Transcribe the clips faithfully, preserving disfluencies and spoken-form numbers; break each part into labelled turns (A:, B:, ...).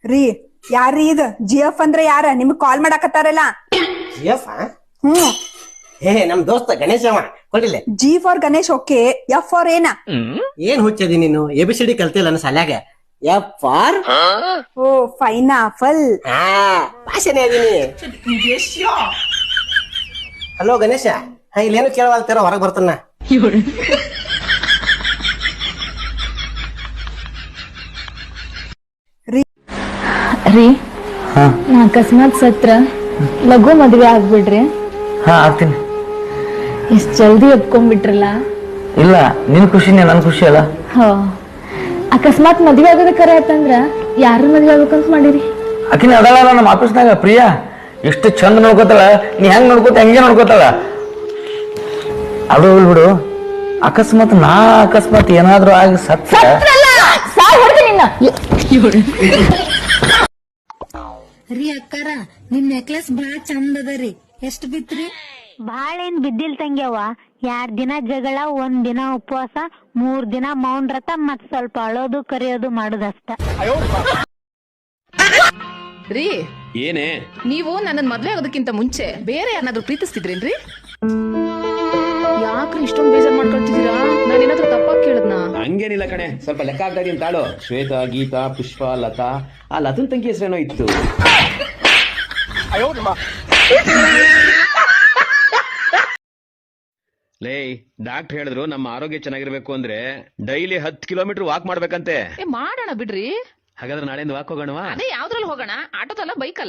A: ರೀ ಯಾರ್ರೀ ಇದು ಜಿ ಎಫ್ ಅಂದ್ರೆ ಯಾರ ನಿಮ್ಗ್ ಕಾಲ್ ಮಾಡಾಕತ್ತಾರಲ್ಲ?
B: ಜಿ ಎಫ್
A: ಹ್ಮ್
B: ಏ ನಮ್ ದೋಸ್ತ ಗಣೇಶ ಅವ ಕೊಟ್ಟಿಲ್ಲ.
A: G for Ganesh okay, F for ಏನ?
B: ಏನ್ ಹುಚ್ಚದಿ ನೀನು? ಎ ಬಿ ಸಿ ಡಿ ಕಲ್ತಿಲ್ಲ ನನ್ನ ಶಾಲ್ಯಾಗ. F for
A: O pineapple.
B: ಹಾ ಭಾಷೆನೇ ಅದೀನಿ. ಹಲೋ ಗಣೇಶ, ಹಾ ಇಲ್ಲೇನು ಕೇಳವಾಗ್ತಾರ, ಹೊರಗ್ ಬರ್ತಾನ.
C: ರೀ ನಾ ಅಕಸ್ಮಾತ್ ಸತ್ರ ಲಘು ಮದ್ವೆ ಆಗ್ಬಿಡ್ರಿ.
D: ಹಾ ಆಗ್ತೀನಿ.
C: ಎಷ್ಟ್ ಜಲ್ದಿ ಒಪ್ಕೊಂಡ್ಬಿಟ್ರಲ್ಲ.
D: ಇಲ್ಲ ನಿನ್ ಖುಷಿನೇ ನನ್ ಖುಷಿ ಅಲ್ಲ.
C: ಹ ಅಕಸ್ಮಾತ್ ಮದ್ವೆ ಆಗೋದ ಕರೆ ಆಯ್ತಂದ್ರ ಯಾರ ಮದ್ವೆ ಆಗ್ಬೇಕಂತ ಮಾಡಿರಿ?
D: ಆಕಿನ ಅದಲ್ಲ ನಮ್ಮ ಆಫೀಸ್ನಾಗ ಪ್ರಿಯಾ, ಎಷ್ಟು ಚಂದ ನೋಡ್ಕೋತಾಳ. ನೀ ಹೆಂಗ್ ನೋಡ್ಕೋತ ಹೆಂಗೆ ನೋಡ್ಕೋತಾಳ. ಅದು ಬಿಡು, ಅಕಸ್ಮಾತ್ ನಾ ಅಕಸ್ಮಾತ್ ಏನಾದ್ರು ಆಗಿ ಸತ್ತ
E: ರೀ ಅಕ್ಕಾರ, ನಿಮ್ ನೆಕ್ಲೆಸ್ ಬಾಳ ಚಂದ ಅದ ರೀ. ಎಷ್ಟ್ ಬಿತ್ರಿ?
F: ಬಾಳ ಏನ್ ಬಿದ್ದಿಲ್ ತಂಗ್ಯವ್ವ. ಎರಡ್ ದಿನ ಜಗಳ, ಒಂದ್ ದಿನ ಉಪವಾಸ, ಮೂರ್ ದಿನ ಮೌನ್ ವ್ರತ, ಮತ್ ಸ್ವಲ್ಪ ಅಳೋದು ಕರಿಯೋದು ಮಾಡುದಷ್ಟ.
G: ರೀ
H: ಏನೇ
G: ನೀವು ನನ್ನ ಮದ್ವೆ ಆಗೋದಕ್ಕಿಂತ ಮುಂಚೆ ಬೇರೆ ಯಾರನ್ನಾದ್ರೂ ಪ್ರೀತಿಸ್ತಿದ್ರೇನ್ರಿ? ಯಾಕ್ರಿ ಇಷ್ಟೊಂದು ಬೇಜಾರ್ ಮಾಡ್ಕೊಳ್ತಿದ್ದೀರಾ? ನಾನು ಏನಾದ್ರೂ ತಪ್ಪಾಗಿ ಕೇಳದ್ನಾ?
H: ಹಂಗೇನಿಲ್ಲ ಕಣೆ, ಸ್ವಲ್ಪ ಲೆಕ್ಕ ಆಗ್ತಾ ಇದೀನಿ ತಾಳು. ಶ್ವೇತಾ, ಗೀತಾ, ಪುಷ್ಪ, ಲತಾ, ಆ ಲತನ್ ತಂಗಿ ಹೆಸರೇನೋ ಇತ್ತು. ಲೇ ಡಾಕ್ಟರ್ ಹೇಳಿದ್ರು ನಮ್ಮ ಆರೋಗ್ಯ ಚೆನ್ನಾಗಿರ್ಬೇಕು ಅಂದ್ರೆ ಡೈಲಿ ಹತ್ತು ಕಿಲೋಮೀಟರ್ ವಾಕ್ ಮಾಡ್ಬೇಕಂತೆ.
G: ಏ ಮಾಡೋಣ ಬಿಡ್ರಿ.
H: ಹಾಗಾದ್ರೆ ನಾಳೆಯಿಂದ ವಾಕ್ ಹೋಗೋಣವಾ?
G: ಅದೇ ಯಾವ್ದ್ರಲ್ಲಿ ಹೋಗೋಣ? ಆಟೋದಲ್ಲ, ಬೈಕಲ್ಲ?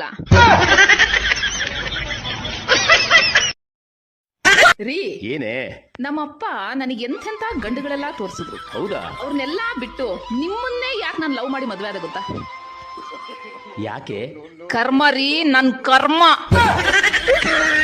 G: ರೀ
H: ಏನೇ
G: ನಮ್ಮಪ್ಪ ನನಗೆ ಎಂತೆಂತ ಗಂಡುಗಳೆಲ್ಲಾ ತೋರ್ಸಿದ್ರು.
H: ಹೌದಾ?
G: ಅವ್ರನ್ನೆಲ್ಲಾ ಬಿಟ್ಟು ನಿಮ್ಮನ್ನೇ ಯಾಕೆ ನಾನು ಲವ್ ಮಾಡಿ ಮದ್ವೆ ಆದ ಗೊತ್ತಾ?
H: ಯಾಕೆ?
G: ಕರ್ಮ ರೀ, ನನ್ ಕರ್ಮ.